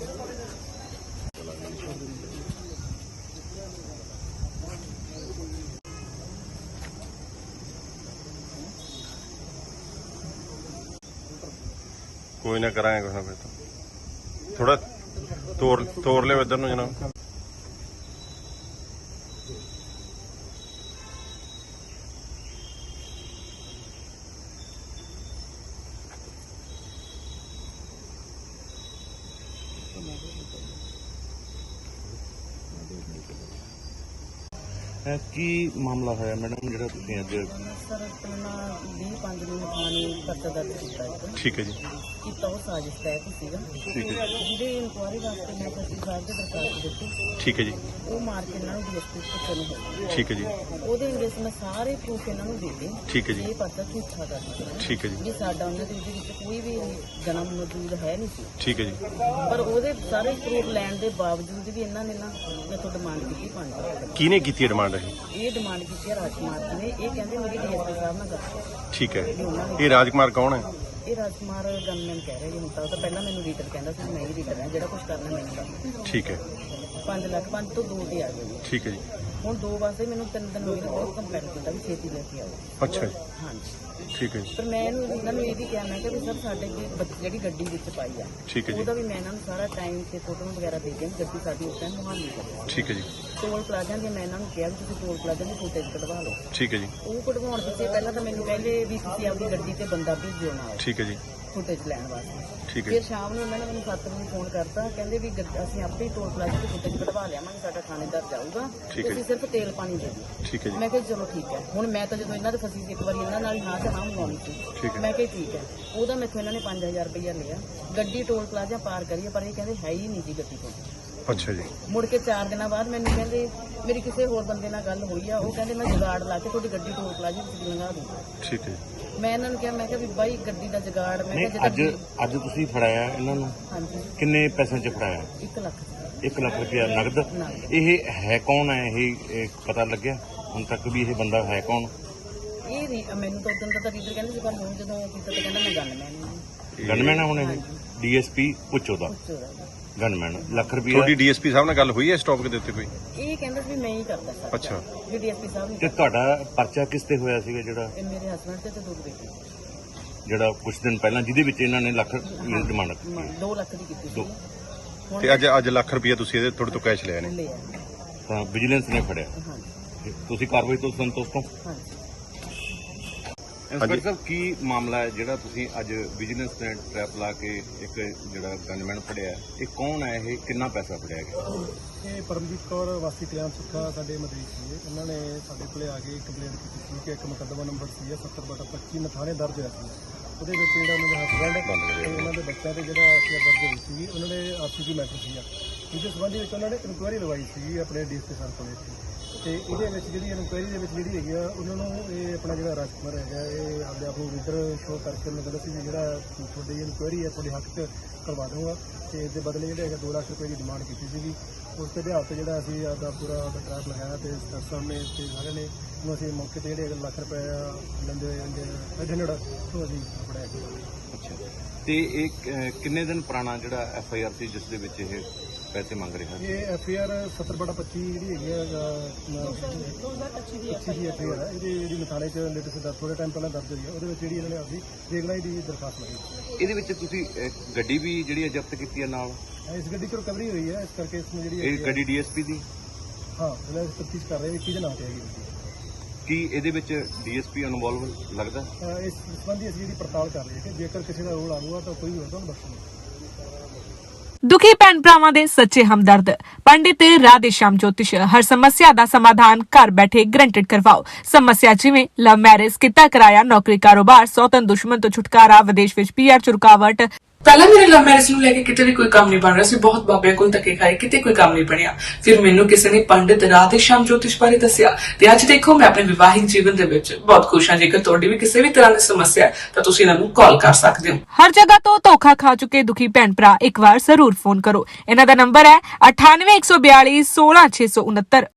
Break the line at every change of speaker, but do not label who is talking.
कोई ना कराएंगे कुछ ना कुछ तो थोड़ा तोड़ ले इधर नु जनाब।
की मामला है मैडम जो अज
सर अपना 20-5 ਨੂੰ ਥਾਣੇ ਪਰਚਾ ਦਰਜ ਕੀਤਾ ਹੈ।
ठीक है जी।
ਕੀਤਾ ਉਹ ਸਾਜ਼ਿਸ਼ ਤਹਿਤ ਸੀਗਾ।
ठीक है जी।
ਜਿਹਦੇ ਇਨਕੁਆਇਰੀ ਵਾਸਤੇ ਮੈਂ ਜੱਜੀ ਸਾਹਿਬ ਦੇ ਦਰਖਾਸਤ ਦਿੱਤੀ,
ठीक है जी।
ਉਹ ਮਾਰ ਕੇ ਇਹਨਾਂ ਨੂੰ ਡੀਐਸਪੀ ਪੁੱਛਣ ਨੂੰ ਹੋਇਆ।
ठीक है जी।
ਉਹਦੇ ਅੰਗੇਸ ਮੈਂ ਸਾਰੇ ਪ੍ਰੂਫ ਇਹਨਾਂ ਨੂੰ ਦਿੱਤੇ।
ठीक है जी।
ਇਹ ਪਰਚਾ ਝੂਠਾ ਕਰ ਦਿੱਤਾ
ठीक है जी।
ਵੀ ਸਾਡਾ ਉਹਨਾਂ ਦੇ ਵਿੱਚ ਕੋਈ ਵੀ ਜਨਮ ਮੌਜੂਦ ਹੈ ਨਹੀਂ ਸੀ।
ठीक है जी।
ਪਰ ਉਹਦੇ ਸਾਰੇ ਪ੍ਰੂਫ ਲੈਣ ਦੇ ਬਾਵਜੂਦ ਵੀ ਇਹਨਾਂ ਨੇ ਨਾ ਮੈਥੋਂ ਡਿਮਾਂਡ ਕੀਤੀ 5 ਲੱਖ।
किने की डिमांड है?
ਇਹ ਡਿਮਾਂਡ ਕੀਤੀ ਹੈ ਰਾਜਕੁਮਾਰ ਜੀ ਨੇ। ਇਹ ਕਹਿੰਦੇ ਮੇਰੀ ਡੀਐਸਪੀ ਸਾਹਿਬ ਨਾਲ ਗੱਲ।
ठीक है। ये राजकुमार कौन है?
ਇਹ ਰਾਜਕੁਮਾਰ ਗਨਮੈਨ ਕਹਿ ਰਹੇ ਜੀ। ਹੁਣ ਤਾਂ ਉਹ ਤਾਂ ਪਹਿਲਾਂ ਮੈਨੂੰ ਰੀਡਰ ਕਹਿੰਦਾ ਸੀ, ਮੈਂ ਹੀ ਰੀਡਰ ਹਾਂ, ਜਿਹੜਾ ਕੁਝ ਕਰਨਾ ਮੈਨੂੰ ਕਰਨਾ।
ठीक है।
5 ਲੱਖ 5 ਤੋਂ 2 ਤੇ ਆ ਗਏ ਜੀ।
ठीक है जी।
ਹੁਣ 2 ਵਾਸਤੇ ਮੈਨੂੰ 3 ਦਿਨ ਹੋ ਗਏ, ਬਹੁਤ ਕੰਪੇਅਰ ਕੀਤਾ ਵੀ ਛੇਤੀ ਲੈ ਕੇ ਆਓ।
अच्छा जी।
ਹਾਂਜੀ।
ठीक है जी।
ਪਰ ਮੈਂ ਇਹਨਾਂ ਨੂੰ ਇਹ ਵੀ ਕਿਹਾ, ਮੈਂ ਕਿਹਾ ਵੀ ਸਰ ਸਾਡੇ ਜਿਹੜੀ ਗੱਡੀ ਵਿੱਚ ਪਾਈ ਆ
ठीक है जी।
ਉਹਦਾ ਵੀ ਮੈਂ ਇਹਨਾਂ ਨੂੰ ਸਾਰਾ ਟਾਈਮ ਤੇ ਫੋਟੋ ਵਗੈਰਾ ਦੇ ਕੇ ਗੱਡੀ ਸਾਡੀ ਉਸ ਟਾਈਮ ਮੁਹਾਲੀ ਕਰੀ।
ठीक है जी।
ਟੋਲ ਪਲਾਜ਼ਾ ਦੀ ਮੈਂ ਇਹਨਾਂ ਨੂੰ ਕਿਹਾ ਵੀ ਤੁਸੀਂ ਟੋਲ ਪਲਾਜ਼ਾ ਦੀ ਫੋਟੇਜ ਕਢਵਾ ਲਓ।
ठीक है जी।
ਉਹ ਕਢਵਾਉਣ ਪਿੱਛੇ ਪਹਿਲਾਂ ਤਾਂ ਮੈਨੂੰ ਕਹਿੰਦੇ ਵੀ ਤੁਸੀਂ ਆਪਣੀ ਗੱਡੀ ਤੇ ਬੰਦਾ ਭੇਜਿਓ ਨਾਲ
ठीक है जी।
ਫੁਟੇਜ ਲੈਣ ਵਾਸਤੇ।
ठीक है।
ਫਿਰ ਸ਼ਾਮ ਨੂੰ ਉਹਨਾਂ ਨੇ ਮੈਨੂੰ 7 ਵਜੇ ਫੋਨ ਕਰਤਾ, ਕਹਿੰਦੇ ਵੀ ਅਸੀਂ ਆਪੇ ਹੀ ਟੋਲ ਪਲਾਜ਼ਾ ਤੇ ਫੁਟੇਜ ਕਢਵਾ ਲਿਆਵਾਂਗੇ, ਸਾਡਾ ਥਾਣੇਦਾਰ ਜਾਊਗਾ,
ਠੀਕ ਹੈ
ਤੁਸੀਂ ਸਿਰਫ ਤੇਲ ਪਾਣੀ ਦੇ ਦਿਓ।
ठीक है जी।
ਮੈਂ ਕਿਹਾ ਚਲੋ ਠੀਕ ਹੈ। ਹੁਣ ਮੈਂ ਤਾਂ ਜਦੋਂ ਇਹਨਾਂ ਦੇ ਫਸੀ ਸੀ ਇੱਕ ਵਾਰੀ, ਇਹਨਾਂ ਨਾਲ ਹਾਂ ਤੇ ਹਾਂ ਮੰਗਵਾਉਣੀ ਸੀ।
ਠੀਕ ਹੈ।
ਮੈਂ ਕਿਹਾ ਠੀਕ ਹੈ। ਉਹਦਾ ਮੈਥੋਂ ਇਹਨਾਂ ਨੇ 5000 ਰੁਪਇਆ ਲਿਆ। ਗੱਡੀ ਟੋਲ ਪਲਾਜ਼ਾ ਪਾਰ ਕਰੀਏ, ਪਰ ਇਹ ਕਹਿੰਦੇ ਹੈ ਹੀ ਨਹੀਂ ਜੀ ਗੱਡੀ ਕੋਲ।
अच्छा जी।
ਮੁੜ ਕੇ 4 ਦਿਨਾਂ ਬਾਅਦ ਮੈਨੂੰ ਕਹਿੰਦੇ ਮੇਰੀ ਕਿਸੇ ਹੋਰ ਬੰਦੇ ਨਾਲ ਗੱਲ ਹੋਈ ਆ, ਉਹ ਕਹਿੰਦੇ ਮੈਂ ਜੁਗਾੜ ਲਾ ਕੇ ਤੁਹਾਡੀ ਗੱਡੀ ਟੋਲ ਪਲਾਜ਼ਾ ਵਿੱਚ ਲੰਘਾ ਦੂੰਗਾ।
ठीक है।
ਮੈਂ ਇਹਨਾਂ ਨੂੰ ਕਿਹਾ, ਮੈਂ ਕਿਹਾ ਵੀ ਬਾਈ ਗੱਡੀ ਦਾ ਜੁਗਾੜ, ਮੈਂ
नहीं
ਕਿਹਾ
अज
ਜਿੱਦਾਂ
अज तुसी फड़ाया इन्होंने
ਹਾਂਜੀ
किन्ने पैसे च फड़ाया?
1 ਲੱਖ
1 लाख रुपया नगद।
नगद।
ये है कौन है? ये पता लग गया हुण तक भी ये बंदा है कौन?
ਇਹ ਨਹੀਂ ਮੈਨੂੰ ਤਾਂ ਉਦੋਂ ਦਾ ਰੀਡਰ ਕਹਿੰਦੇ ਸੀ, ਪਰ ਹੁਣ ਜਦੋਂ ਕੀਤਾ ਤਾਂ ਕਹਿੰਦਾ ਮੈਂ ਗਨਮੈਨ ਹਾਂ।
गनमैन है हुण डीएसपी पुच्छो दा
ਪੁੱਛੋ ਦਾ।
गनमैन लाख रुपया।
थोड़ी डीएसपी साहब ਨਾਲ ਗੱਲ ਹੋਈ ਹੈ ਸਟਾਪ ਦੇ ਉੱਤੇ ਕੋਈ?
ਇਹ ਕਹਿੰਦਾ ਸੀ ਵੀ ਮੈਂ ਹੀ ਕਰਦਾ ਸਰ।
ਅੱਛਾ।
ਵੀ ਡੀਐਸਪੀ ਸਾਹਿਬ
ਤੇ
ਨੇ
ਤੁਹਾਡਾ ਪਰਚਾ ਕਿਸ ਤੇ ਹੋਇਆ ਸੀਗਾ ਜਿਹੜਾ
ਇਹ ਮੇਰੇ ਹਸਬੰਡ ਤੇ 2 ਬੇਟੇ
ਜਿਹੜਾ ਕੁਝ ਦਿਨ ਪਹਿਲਾਂ ਜਿਹਦੇ ਵਿੱਚ ਇਹਨਾਂ ਨੇ ਲੱਖ ਡਿਮਾਂਡ ਕੀਤੀ?
2 ਲੱਖ ਦੀ ਕੀਤੀ ਸੀ।
ਦੋ।
ਹੁਣ
ਤੇ ਅੱਜ ਲੱਖ ਰੁਪਏ ਤੁਸੀਂ ਇਹਦੇ ਤੁਹਾਡੇ ਤੋਂ ਕੈਸ਼ ਲਿਆ ਨੇ?
ਲਿਆ।
ਤਾਂ ਵਿਜੀਲੈਂਸ ਨੇ ਫੜਿਆ।
ਹਾਂਜੀ
ਤੁਸੀਂ ਕਾਰਵਾਈ ਤੋਂ ਸੰਤੁਸ਼ਟ ਹੋ?
ਹਾਂਜੀ।
ਇੰਸਪੈਕਟਰ ਸਾਹਿਬ ਕੀ ਮਾਮਲਾ ਹੈ ਜਿਹੜਾ ਤੁਸੀਂ ਅੱਜ ਵਿਜੀਲੈਂਸ ਨੇ ਟ੍ਰੈਪ ਲਾ ਕੇ ਇੱਕ ਜਿਹੜਾ ਗਨਮੈਨ ਫੜਿਆ, ਇਹ ਕੌਣ ਹੈ, ਇਹ ਕਿੰਨਾ ਪੈਸਾ ਫੜਿਆ ਗਿਆ?
ਇਹ ਪਰਮਜੀਤ ਕੌਰ ਵਾਸੀ ਕਲਿਆਣ ਸੁੱਖਾ ਸਾਡੇ ਮਦਈ ਸੀ। ਇਹਨਾਂ ਨੇ ਸਾਡੇ ਕੋਲੇ ਆ ਕੇ ਕੰਪਲੇਂਟ ਕੀਤੀ ਸੀ ਕਿ ਇੱਕ ਮੁਕੱਦਮਾ ਨੰਬਰ ਸੀ 70/25 ਥਾਣੇ ਦਰਜ ਹੋਇਆ ਸੀ। ਉਹਦੇ ਵਿੱਚ ਜਿਹੜਾ ਉਹਨਾਂ ਦਾ ਹਸਬੈਂਡ ਤੇ ਉਹਨਾਂ ਦੇ ਬੱਚਿਆਂ ਤੇ ਜਿਹੜਾ ਦਰਜ ਹੋਈ ਸੀ, ਉਹਨਾਂ ਦੇ ਆਪਸੀ ਮੈਟਰ ਸੀਗਾ। ਇਹਦੇ ਸੰਬੰਧੀ ਵਿੱਚ ਉਹਨਾਂ ਨੇ ਇਨਕੁਆਇਰੀ ਲਗਵਾਈ ਸੀ ਆਪਣੇ ਡੀਐਸਪੀ ਸਰ ਕੋਲੇ। ਤੇ ਇਹਦੇ ਵਿੱਚ ਜਿਹੜੀ ਇਨਕੁਆਇਰੀ ਦੇ ਵਿੱਚ ਜਿਹੜੀ ਹੈਗੀ ਆ, ਉਹਨਾਂ ਨੂੰ ਇਹ ਆਪਣਾ ਜਿਹੜਾ ਰਾਜਕੁਮਾਰ ਹੈਗਾ, ਇਹ ਆਪਣੇ ਆਪ ਨੂੰ ਲੀਡਰ ਸ਼ੋਅ ਕਰਕੇ ਉਹਨੂੰ ਕਹਿੰਦਾ ਸੀ ਵੀ ਜਿਹੜਾ ਤੁਹਾਡੀ ਇਨਕੁਆਇਰੀ ਹੈ ਤੁਹਾਡੇ ਹੱਕ 'ਚ ਕਰਵਾ ਦਊਂਗਾ, ਤੇ ਇਸ ਦੇ ਬਦਲੇ ਜਿਹੜੇ ਹੈਗਾ 2 ਲੱਖ ਰੁਪਏ ਦੀ ਡਿਮਾਂਡ ਕੀਤੀ ਸੀਗੀ। ਉਸ ਦੇ ਆਧਾਰ 'ਤੇ ਜਿਹੜਾ ਅਸੀਂ ਆਪਦਾ ਪੂਰਾ ਟਰੈਪ ਲਗਾਇਆ ਤੇ ਸਰ ਸਾਹਮਣੇ ਤੇ ਸਾਰਿਆਂ ਨੇ ਉਹਨੂੰ ਅਸੀਂ ਮੌਕੇ 'ਤੇ ਜਿਹੜੇ ਲੱਖ ਰੁਪਏ ਲੈਂਦੇ ਹੋਏ 500 ਤੋਂ ਅਸੀਂ ਫੜਿਆ ਗਿਆ।
ਅੱਛਾ। ਤੇ ਇਹ ਕਿੰਨੇ ਦਿਨ ਪੁਰਾਣਾ ਜਿਹੜਾ ਐਫਆਈਆਰ ਸੀ ਜਿਸ ਦੇ ਵਿੱਚ ਇਹ ਪੈਸੇ ਮੰਗ ਰਿਹਾ?
ਇਹ ਐਫਆਈਆਰ 70/25 ਜਿਹੜੀ ਹੈਗੀ ਆ 2025 ਦੀ ਐਫਆਈਆਰ ਹੈ। ਇਹਦੀ ਮਥਾਣੇ 'ਚ ਲੇਟੈਸਟ ਥੋੜੇ ਟਾਈਮ ਪਹਿਲਾਂ ਦਰਜ ਹੋਈ ਹੈ। ਉਹਦੇ ਵਿੱਚ ਜਿਹੜੀ ਇਹਨਾਂ ਨੇ ਆਪਣੀ ਰੇਗਲਾਈ ਦੀ ਦਰਖਾਸਤ ਲਗਾਈ।
ਇਹਦੇ ਵਿੱਚ ਤੁਸੀਂ ਗੱਡੀ ਵੀ ਜਿਹੜੀ ਜ਼ਬਤ ਕੀਤੀ ਹੈ ਨਾਲ?
ਇਸ ਗੱਡੀ 'ਚ ਰਿਕਵਰੀ ਹੋਈ ਹੈ, ਇਸ ਕਰਕੇ ਇਸ ਨੂੰ ਜਿਹੜੀ
ਇਹ ਗੱਡੀ ਡੀਐਸਪੀ ਦੀ?
ਹਾਂ, ਇਹਨਾਂ ਦੀ ਤਫਤੀਸ਼ ਕਰ ਰਹੇ ਵੀ ਕਿਹਦੇ ਨਾਂ ਤੇ ਹੈਗੀ ਗੱਡੀ।
ਕੀ ਇਹਦੇ ਵਿੱਚ ਡੀਐਸਪੀ ਇਨਵੋਲਵ ਲੱਗਦਾ?
ਇਸ ਸੰਬੰਧੀ ਅਸੀਂ ਜਿਹੜੀ ਪੜਤਾਲ ਕਰ ਰਹੇ ਹਾਂ ਕਿ ਜੇਕਰ ਕਿਸੇ ਦਾ ਰੋਲ ਆਊਗਾ ਤਾਂ ਕੋਈ ਵੀ ਹੋਗਾ ਉਹਨੂੰ ਬਖਸ਼ਣਾ।
ਦੁਖੀ ਭੈਣ ਭਰਾਵਾਂ ਦੇ ਸੱਚੇ ਹਮਦਰਦ ਪੰਡਿਤ ਰਾਧੇ ਸ਼ਾਮ ਜੋਤਿਸ਼ ਹਰ ਸਮੱਸਿਆ ਦਾ ਸਮਾਧਾਨ ਘਰ ਬੈਠੇ ਗਰੰਟਡ ਕਰਵਾਓ। ਸਮੱਸਿਆ ਜਿਵੇਂ ਲਵ ਮੈਰਿਜ, ਕਿੱਤਾ ਕਿਰਾਇਆ, ਨੌਕਰੀ ਕਾਰੋਬਾਰ, ਸੌਤਨ ਦੁਸ਼ਮਣ ਤੋਂ ਛੁਟਕਾਰਾ, ਵਿਦੇਸ਼ ਵਿੱਚ ਪੀਆਰ ਚ ਰੁਕਾਵਟ।
ਪਹਿਲਾਂ ਮੇਰੇ ਲਵ ਮੈਰਿਜ ਨੂੰ ਲੈ ਕੇ ਕਿਤੇ ਵੀ ਕੋਈ ਕੰਮ ਨਹੀਂ ਬਣ ਰਿਹਾ ਸੀ। ਬਹੁਤ ਬਾਬਿਆਂ ਕੋਲ ਧੱਕੇ ਖਾਏ, ਕਿਤੇ ਕੋਈ ਕੰਮ ਨਹੀਂ ਬਣਿਆ। ਫਿਰ ਮੈਨੂੰ ਕਿਸੇ ਨੇ ਪੰਡਿਤ ਰਾਧੇ ਸ਼ਾਮ ਜੋਤਿਸ਼ ਬਾਰੇ ਦੱਸਿਆ ਤੇ ਅੱਜ ਦੇਖੋ ਮੈਂ ਆਪਣੇ ਵਿਵਾਹਿਕ ਜੀਵਨ ਦੇ ਵਿੱਚ ਬਹੁਤ ਖੁਸ਼ ਹਾਂ। ਜੇਕਰ ਤੁਹਾਡੀ ਵੀ ਕਿਸੇ ਵੀ ਤਰ੍ਹਾਂ ਦੀ ਸਮੱਸਿਆ ਹੈ ਤਾਂ ਤੁਸੀਂ ਇਹਨਾਂ ਨੂੰ ਕਾਲ ਕਰ ਸਕਦੇ ਹੋ।
ਹਰ ਜਗ੍ਹਾ ਤੋਂ ਧੋਖਾ ਖਾ ਚੁੱਕੇ ਦੁਖੀ ਭੈਣ ਭਰਾ ਇੱਕ ਵਾਰ ਜ਼ਰੂਰ ਫੋਨ ਕਰੋ। ਇਹਨਾਂ ਦਾ ਨੰਬਰ ਹੈ 98 142 16 669।